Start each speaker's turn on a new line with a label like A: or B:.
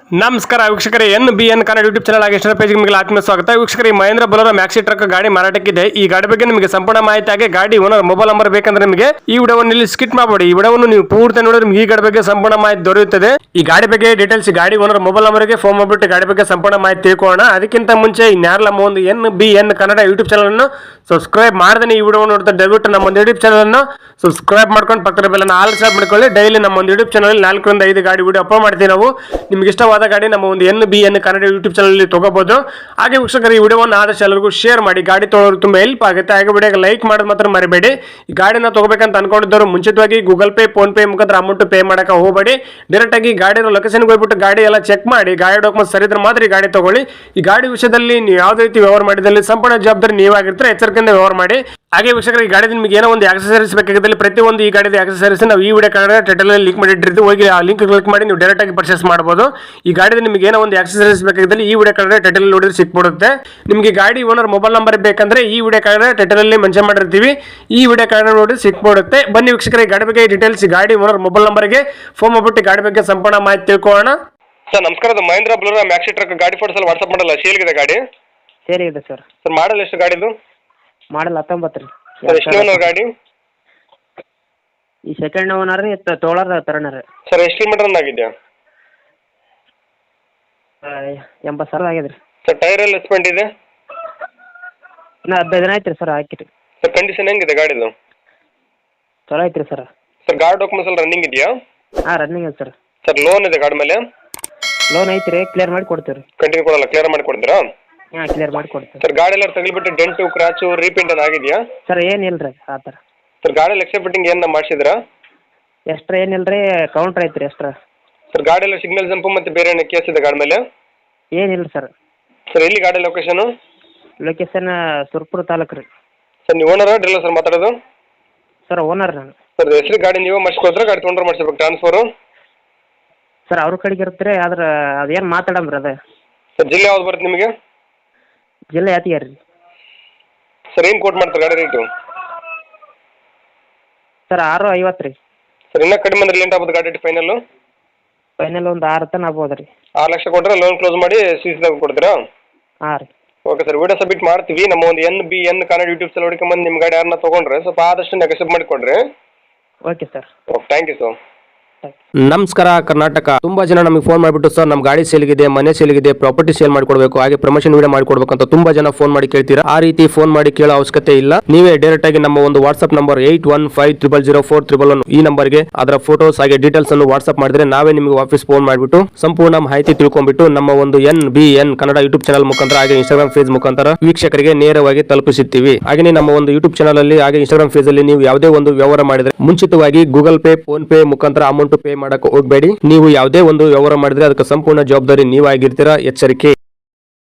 A: ನಮಸ್ಕಾರ ವೀಕ್ಷಕರೇ, NBN Kannada YouTube channel ಆಗಿ ಇಷ್ಟರ ಪೇಜ್ಗೆ ನಿಮಗೆ ಆತ್ಮೀಯ ಸ್ವಾಗತ. ವೀಕ್ಷಕರೇ, ಮಹೇಂದ್ರ ಬೊಲೆರೋ ಮ್ಯಾಕ್ಸಿ ಟ್ರಕ್ ಗಾಡಿ ಮಾರಾಟಕ್ಕಿದೆ. ಈ ಗಾಡಿ ಬಗ್ಗೆ ನಿಮಗೆ ಸಂಪೂರ್ಣ ಮಾಹಿತಿ ಆಗಿ ಗಾಡಿ ಓನರ್ ಮೊಬೈಲ್ ನಂಬರ್ ಬೇಕಂದ್ರೆ ನಿಮಗೆ ಈ ವಿಡಿಯೋವನ್ನು ಇಲ್ಲಿ ಸ್ಕಿಪ್ ಮಾಡಬೇಡಿ. ಈ ವಿಡಿಯೋವನ್ನು ನೀವು ಪೂರ್ತಿ ನೋಡಿದ್ರೆ ನಿಮಗೆ ಈ ಗಾಡಿ ಬಗ್ಗೆ ಸಂಪೂರ್ಣ ಮಾಹಿತಿ ದೊರೆಯುತ್ತದೆ. ಈ ಗಾಡಿ ಬಗ್ಗೆ ಡೀಟೇಲ್ಸ್ ಗಾಡಿ ಓನರ್ ಮೊಬೈಲ್ ನಂಬರ್ಗೆ ಫೋನ್ ಮಾಡಿಬಿಟ್ಟು ಗಾಡಿ ಬಗ್ಗೆ ಸಂಪೂರ್ಣ ಮಾಹಿತಿ ತಿಳ್ಕೊಳ್ಳೋಣ. ಅದಕ್ಕಿಂತ ಮುಂಚೆ ಇನ್ಯಾರಲ್ಲ ನಮ್ಮ ಒಂದು NBN ಕನ್ನಡ ಯೂಟ್ಯೂಬ್ ಚಾನಲ್ ಅನ್ನು ಸಬ್ಸ್ಕ್ರೈಬ್ ಮಾಡದೇ ಈ ವಿಡಿಯೋ ನೋಡ್ತಾ ದಯವಿಟ್ಟು ನಮ್ಮ ಒಂದು ಯೂಟ್ಯೂಬ್ ಚಾನಲ್ ಅನ್ನು ಸಬ್ಸ್ಕ್ರೈಬ್ ಮಾಡ್ಕೊಂಡು ಪಕ್ಕದ ಬೆಲ್ ಅನ್ನು ಆಲ್ ಸಬ್ ಮಾಡ್ಕೊಳ್ಳಿ. ಡೈಲಿ ನಮ್ಮ ಒಂದು ಯೂಟ್ಯೂಬ್ ಚಾನಲ್ 4 ರಿಂದ 5 ಗಾಡಿ ವಿಡಿಯೋ ಅಪ್ಲೋಡ್ ಮಾಡ್ತೀವಿ. ನಾವು ನಿಮ್ಗೆ ಇಷ್ಟವಾದ ಗಾಡಿ ನಮ್ಮ ಒಂದು NBN ಕನ್ನಡ ಯೂಟ್ಯೂಬ್ ಚಾನಲ್ ತಗೋಬಹುದು. ಹಾಗೆ ವೀಕ್ಷಕರು, ಈ ವಿಡಿಯೋವನ್ನು ಆದಷ್ಟು ಎಲ್ಲರಿಗೂ ಶೇರ್ ಮಾಡಿ. ಗಾಡಿ ತೊಗೊಳ್ಳೋರು ತುಂಬಾ ಹೆಲ್ಪ್ ಆಗುತ್ತೆ. ಹಾಗೆ ವಿಡಿಯೋಗೆ ಲೈಕ್ ಮಾಡೋದು ಮಾತ್ರ ಮರಿಬೇಡಿ. ಈ ಗಾಡಿನ ತಗೋಬೇಕಂತ ಅನ್ಕೊಂಡಿದ್ದವರು ಮುಂಚಿತವಾಗಿ ಗೂಗಲ್ ಪೇ, ಫೋನ್ ಪೇ ಮುಖಾಂತರ ಅಮೌಂಟ್ ಪೇ ಮಾಡಕ್ಕೆ ಹೋಗಬೇಡಿ. ಡೈರೆಕ್ಟ್ ಆಗಿ ಗಾಡಿನ ಲೊಕೇಶನ್ಗೆ ಹೋಗ್ಬಿಟ್ಟು ಗಾಡಿ ಎಲ್ಲ ಚೆಕ್ ಮಾಡಿ, ಗಾಡಿ ಡಾಕ್ಯುಮೆಂಟ್ಸ್ ಸರಿ ಇದ್ರೆ ಮಾತ್ರ ಈ ಗಾಡಿ ತಗೊಳ್ಳಿ. ಈ ಗಾಡಿ ವಿಷಯದಲ್ಲಿ ನೀವು ಯಾವುದೇ ರೀತಿ ವ್ಯವಹಾರ ಮಾಡಿದಲ್ಲಿ ಸಂಪೂರ್ಣ ಜವಾಬ್ದಾರಿ ನೀವಾಗಿರ್ತಾರೆ. ಎಚ್ಚರಿಕೆಯಿಂದ ವ್ಯವಹಾರ ಮಾಡಿ. ಹಾಗೆ ವೀಕ್ಷಕರು, ಈ ಗಾಡಿ ನಿಮಗೆ ಏನೋ ಒಂದು ಆಕ್ಸೆಸರೀಸ್ ಬೇಕಾಗಿದ್ದಲ್ಲಿ ಪ್ರತಿಯೊಂದು ಈ ಗಾಡಿದ ಆಕ್ಸೆಸರೀಸ್ ನಾವು ಈ ವಿಡಿಯೋ ಕೆಳಗಡೆ ಟೈಟಲ್ ಅಲ್ಲಿ ಲಿಂಕ್ ಮಾಡಿಟ್ಟಿರ್ತೀವಿ. ಹೋಗಿ ಆ ಲಿಂಕ್ ಕ್ಲಿಕ್ ಮಾಡಿ ನೀವು ಡೈರೆಕ್ಟ್ ಆಗಿ ಪರ್ಚೇಸ್ ಮಾಡಬಹುದು. ಈ ಗಾಡಿದ ನಿಮಗೆ ಏನೋ ಒಂದು ಆಕ್ಸೆಸರೀಸ್ ಬೇಕಾಗಿದ್ದಲ್ಲಿ ಈ ವಿಡಿಯೋ ಕೆಳಗಡೆ ಟೈಟಲ್ ನೋಡಿದ್ರೆ ಸಿಕ್ಬಿಡುತ್ತೆ. ನಿಮಗೆ ಗಾಡಿ ಓನರ್ ಮೊಬೈಲ್ ನಂಬರ್ ಬೇಕಂದ್ರೆ ಈ ವಿಡಿಯೋ ಕೆಳಗಡೆ ಟೈಟಲ್ ಅಲ್ಲಿ ಮೆನ್ಷನ್ ಮಾಡಿರ್ತೀವಿ. ಈ ವಿಡಿಯೋ ಕೆಳಗಡೆ ನೋಡಿ ಸಿಕ್ಬಿಡುತ್ತೆ. ಬನ್ನಿ ವೀಕ್ಷಕರೇ, ಗಾಡಿ ಬಗ್ಗೆ ಡೀಟೇಲ್ಸ್ ಗಾಡಿ ಓನರ್ ಮೊಬೈಲ್ ನಂಬರ್ಗೆ ಫೋನ್ ಮಾಡ್ಬಿಟ್ಟು ಗಾಡಿ ಬಗ್ಗೆ ಸಂಪೂರ್ಣ ಮಾಹಿತಿ ತಿಳ್ಕೊಳ್ಳೋಣ. ಸರ್ ನಮಸ್ಕಾರ, ಅದು ಮಹೇಂದ್ರ ಬೊಲೆರೋ ಮ್ಯಾಕ್ಸಿ ಟ್ರಕ್ ಗಾಡಿ ಫೋಟೋಸ್ ಅಲ್ಲಿ ವಾಟ್ಸ್ಆಪ್ ಮಾಡಲ್ಲ, ಸೇಲ್ಗಿದೆ ಗಾಡಿ.
B: ಸರಿ ಇದೆ ಸರ್.
A: ಸರ್ ಮಾಡಲ್ ಎಷ್ಟು ಗಾಡಿದು?
B: ಮಾಡಲ್ 19 ರೀ.
A: ಸರ್ ಎಷ್ಟು ಓನರ್ ಗಾಡಿ?
B: ಈ ಸೆಕೆಂಡ್ ಓನರ್ ರೀ, ತೋಳರ್ ತರಣರ್.
A: ಸರ್ ಎಷ್ಟು ಕಿಲೋಮೀಟರ್ ರನ್ ಆಗಿದೆಯಾ?
B: 80,000 ಆಗ್ಯದ ರೀ.
A: ಸರ್ ಟೈರ್ ಎಲ್ಲ ಎಸ್ಪೆಂಟ್ ಇದೆ?
B: ಇನ್ನು 15 ದಿನ ಆಯ್ತು ರೀ ಸರ್ ಹಾಕಿರಿ.
A: ಸರ್ ಕಂಡೀಷನ್ ಹೆಂಗಿದೆ ಗಾಡಿದು?
B: ಚಲೋ ಐತೆ ರೀ ಸರ್.
A: ಸರ್ ಗಾಡಿ ಡಾಕ್ಯುಮೆಂಟ್ಸ್ ಎಲ್ಲ ರನ್ನಿಂಗ್ ಇದೆಯಾ?
B: ಹಾಂ, ರನ್ನಿಂಗ್ ಇದೆ ಸರ್.
A: ಸರ್ ಲೋನ್ ಇದೆ ಗಾಡಿ ಮೇಲೆ?
B: ಲೋನ್ ಐತಿ ರೀ, ಕ್ಲಿಯರ್ ಮಾಡಿ ಕೊಡ್ತೀವಿ ರೀ.
A: ಕಂಟಿನ್ಯೂ ಕೊಡಲ್ಲ, ಕ್ಲಿಯರ್ ಮಾಡಿ ಕೊಡ್ತೀರಾ?
B: ಹಾಂ, ಕ್ಲಿಯರ್ ಮಾಡಿ ಕೊಡ್ತೀವಿ.
A: ಸರ್ ಗಾಡಿ ಎಲ್ಲ ತಗಲಿಬಿಟ್ಟು ಡೆಂಟು ಕ್ರಾಚು ರೀಪೇಂಟ್ ಏನು ಆಗಿದೆಯಾ?
B: ಸರ್ ಏನಿಲ್ಲ ರೀ ಆ ಥರ.
A: ಸರ್ ಗಾಡಿಯಲ್ಲಿ ಎಕ್ಸ್ಟ್ರಾ ಫಿಟ್ಟಿಂಗ್ ಏನು ಮಾಡಿಸಿದ್ರಾ?
B: ಎಕ್ಸ್ಟ್ರಾ ಏನಿಲ್ಲ ರೀ, ಕೌಂಟ್ರ್ ಐತೆ ರೀ ಎಕ್ಸ್ಟ್ರಾ.
A: ಸರ್ ಗಾಡಿ ಎಲ್ಲ ಸಿಗ್ನಲ್ ಜಂಪು ಮತ್ತು ಬೇರೆ ಏನೋ ಕೇಸ್ ಇದೆ ಗಾಡಿ ಮೇಲೆ?
B: ಏನಿಲ್ಲ ಸರ್.
A: ಸರ್ ಎಲ್ಲಿ ಗಾಡಿ ಲೊಕೇಶನು?
B: ಲೊಕೇಶನ್ ಸುರ್ಪುರ ತಾಲೂಕು ರೀ.
A: ಸರ್ ನೀವು ಓನರ್ ಡ್ರಿಲ್ಲ ಸರ್ ಮಾತಾಡೋದು?
B: ಸರ್ ಓನರ್ ನಾನು.
A: ಸರ್ ಹೆಸರು ಗಾಡಿ ನೀವು ಮಾಡಿಸ್ಕೊಡ್ತಾರೆ, ಗಾಡಿ ತೊಗೊಂಡ್ರೆ ಮಾಡಿಸ್ಬೇಕು ಟ್ರಾನ್ಸ್ಫರು?
B: ಸರ್ ಅವ್ರ ಕಡೆಗೆ ಇರುತ್ತೆ ರೀ, ಆದ್ರೆ ಅದೇನು ಮಾತಾಡಮ್ರಿ ಅದೇ.
A: ಸರ್ ಜಿಲ್ಲೆ ಯಾವ್ದು ಬರುತ್ತೆ ನಿಮಗೆ?
B: ಜಿಲ್ಲೆ ಯಾತಿಗೆ ರೀ.
A: ಸರ್ ಏನು ಕೋಟ್ ಮಾಡ್ತಾರೆ ಗಾಡಿ ರೇಟು?
B: ಸರ್ 650 ರೀ.
A: ಸರ್ ಇನ್ನೂ ಕಡಿಮೆ ಅಂದ್ರೆ ಲೇಟ್ ಆಗ್ಬೋದು ಗಾಡಿ ಫೈನಲ್ಲು?
B: ಫೈನಲ್ ಒಂದು 6 ತನಕ ಆಗ್ಬೋದು ರೀ.
A: 6 ಲಕ್ಷ ಕೊಟ್ಟರೆ ಲೋನ್ ಕ್ಲೋಸ್ ಮಾಡಿ ಸಿಸಿದಾಗ ಕೊಡ್ತೀರಾ?
B: ಹಾಂ ರೀ.
A: ಓಕೆ ಸರ್, ವಿಡಿಯೋ ಸಬ್ಮಿಟ್ ಮಾಡ್ತೀವಿ. ನಮ್ಮ ಒಂದು NBN ಕನ್ನಡ ಯೂಟ್ಯೂಬ್ ಚಾನಲ್ ಹುಡುಕೊಂಬಂದು ನಿಮ್ಮ ಗಾಡಿ ಯಾರನ್ನ ತೊಗೊಂಡ್ರೆ ಸ್ವಲ್ಪ ಆದಷ್ಟು ನೆಗೆಸಿಬ್ ಮಾಡಿಕೊಡ್ರಿ.
B: Okay sir.
A: Okay, thank you sir.
C: ನಮಸ್ಕಾರ ಕರ್ನಾಟಕ. ತುಂಬಾ ಜನ ನಮಗೆ ಫೋನ್ ಮಾಡಿಬಿಟ್ಟು ಸರ್ ನಮ್ಮ ಗಾಡಿ ಸೇಲ್ಗಿದೆ, ಮನೆ ಸೇಲ್ಗಿದೆ, ಪ್ರಾಪರ್ಟಿ ಸೇಲ್ ಮಾಡಿಕೊಡ್ಬೇಕು, ಹಾಗೆ ಪ್ರಮೋಷನ್ ವಿಡಿಯೋ ಮಾಡಿಕೊಡ್ಬೇಕು ಅಂತ ತುಂಬಾ ಜನ ಫೋನ್ ಮಾಡಿ ಕೇಳ್ತೀರಾ. ಆ ರೀತಿ ಫೋನ್ ಮಾಡಿ ಕೇಳೋ ಅವಶ್ಯಕತೆ ಇಲ್ಲ. ನೀವೇ ಡೈರೆಕ್ಟ್ ಆಗಿ ನಮ್ಮ ಒಂದು ವಾಟ್ಸ್ಆಪ್ ನಂಬರ್ 81500411 ಈ ನಂಬರ್ಗೆ ಅದರ ಫೋಟೋಸ್ ಹಾಗೆ ಡೀಟೇಲ್ಸ್ ಅನ್ನು ವಾಟ್ಸ್ಆಪ್ ಮಾಡಿದ್ರೆ ನಾವೇ ನಿಮಗೆ ವಾಪಸ್ ಫೋನ್ ಮಾಡಿಬಿಟ್ಟು ಸಂಪೂರ್ಣ ಮಾಹಿತಿ ತಿಳ್ಕೊಂಡ್ಬಿಟ್ಟು ನಮ್ಮ ಒಂದು NBN ಕನ್ನಡ ಯೂಟ್ಯೂಬ್ ಚಾನಲ್ ಮುಖಾಂತರ ಹಾಗೆ ಇನ್ಸ್ಟಾಗ್ರಾಮ್ ಪೇಜ್ ಮುಖಾಂತರ ವೀಕ್ಷಕರಿಗೆ ನೇರವಾಗಿ ತಲುಪಿಸುತ್ತೀವಿ. ಹಾಗೆ ನಮ್ಮ ಒಂದು ಯೂಟ್ಯೂಬ್ ಚಾನಲ್ ಅಲ್ಲಿ ಹಾಗೆ ಇನ್ಸ್ಟಾಗ್ರಾಮ್ ಪೇಜ್ ಅಲ್ಲಿ ನೀವು ಯಾವುದೇ ಒಂದು ವ್ಯವಹಾರ ಮಾಡಿದ್ರೆ ಮುಂಚಿತವಾಗಿ ಗೂಗಲ್ ಪೇ, ಫೋನ್ ಪೇ ಮುಖಾಂತರ ಅಮೌಂಟ್ ಪೇ ಮಾಡಕ್ಕೆ ಹೋಗಬೇಡಿ. ನೀವು ಯಾವುದೇ ಒಂದು ವ್ಯವಹಾರ ಮಾಡಿದ್ರೆ ಅದಕ್ಕೆ ಸಂಪೂರ್ಣ ಜವಾಬ್ದಾರಿ ನೀವಾಗಿರ್ತೀರಾ. ಎಚ್ಚರಿಕೆ.